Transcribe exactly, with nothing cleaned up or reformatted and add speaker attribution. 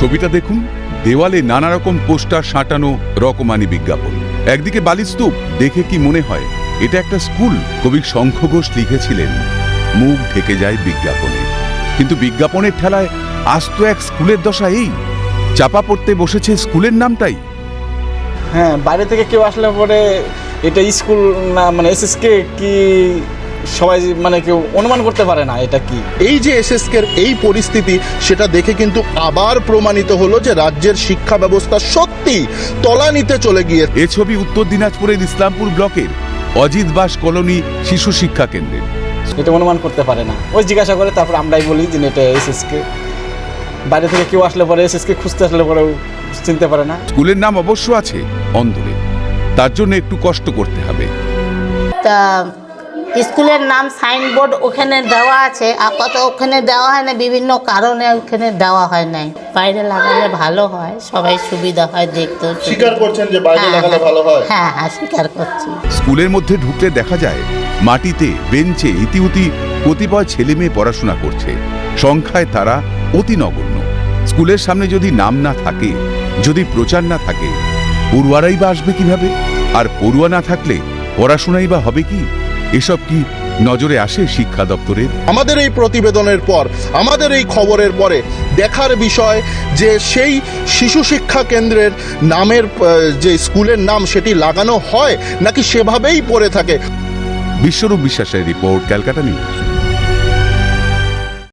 Speaker 1: ছবিটা দেখুন, দেওয়ালে নানা রকম পোস্টার সাঁটানো, রকমারি বিজ্ঞাপন। একদিকে বালিস্তূপ, দেখে কি মনে হয় এটা একটা স্কুল? কবি শঙ্খ ঘোষ লিখেছিলেন, মুখ ঢেকে যায় বিজ্ঞাপনে। কিন্তু বিজ্ঞাপনের ঠেলায় আস্ত এক স্কুলের দশা এই, চাপা পড়তে বসেছে স্কুলের নামটাই।
Speaker 2: হ্যাঁ, বাইরে থেকে কেউ আসলে পরে এটা স্কুল না মানে এসএসকে কি সবাই মানে কেউ অনুমান করতে পারে না এটা কি।
Speaker 3: এই যে এসএসকের এই পরিস্থিতি, সেটা দেখে কিন্তু আবার প্রমাণিত হলো যে রাজ্যের শিক্ষা ব্যবস্থা সত্যি তলানিতে চলে গিয়ে।
Speaker 1: এ ছবি উত্তর দিনাজপুরের ইসলামপুর ব্লকের অজিত বাস কলোনি শিশু শিক্ষা কেন্দ্রের।
Speaker 2: এটা অনুমান করতে পারে না, ওই জিজ্ঞাসা করে তারপর আমরাই বলি যে এটা এসএসকে। বাইরে থেকে কেউ আসলে পরে এসএসকে খুঁজতে আসলে পরেও চিনতে পারে না।
Speaker 1: স্কুলের নাম অবশ্য আছে অন্দরে, তার জন্য একটু কষ্ট করতে হবে।
Speaker 4: তা স্কুলের নাম সাইনবোর্ড ওখানে দেওয়া আছে, আপাতত ওখানে দেওয়া হয় না, বিভিন্ন কারণে ওখানে দেওয়া হয় নাই। বাইরে লাগালে ভালো হয়, সবাই সুবিধা হয়, দেখতেও
Speaker 3: স্বীকার করছেন যে বাইরে লাগালে ভালো হয়?
Speaker 4: হ্যাঁ হ্যাঁ স্বীকার করছি।
Speaker 1: স্কুলের মধ্যে ঢুকতে দেখা যায় মাটিতে বেঞ্চে ইতিউতি কতিপয় ছেলে মেয়ে পড়াশোনা করছে। সংখ্যায় তারা অতি নগণ্য। স্কুলের সামনে যদি নাম না থাকে, যদি প্রচার না থাকে, পড়ুয়ারাই বা আসবে কিভাবে? আর পড়ুয়া না থাকলে পড়াশোনাই বা হবে কি? এসব কি নজরে আসে শিক্ষা দপ্তরের?
Speaker 3: আমাদের এই প্রতিবেদনের পর, আমাদের এই খবরের পরে দেখার বিষয় যে সেই শিশু শিক্ষা কেন্দ্রের নামের যে স্কুলের নাম সেটি লাগানো হয় নাকি সেভাবেই পড়ে থাকে।
Speaker 1: বিশ্বরূপ বিশ্বাসের রিপোর্ট, ক্যালকাটা নিউজ।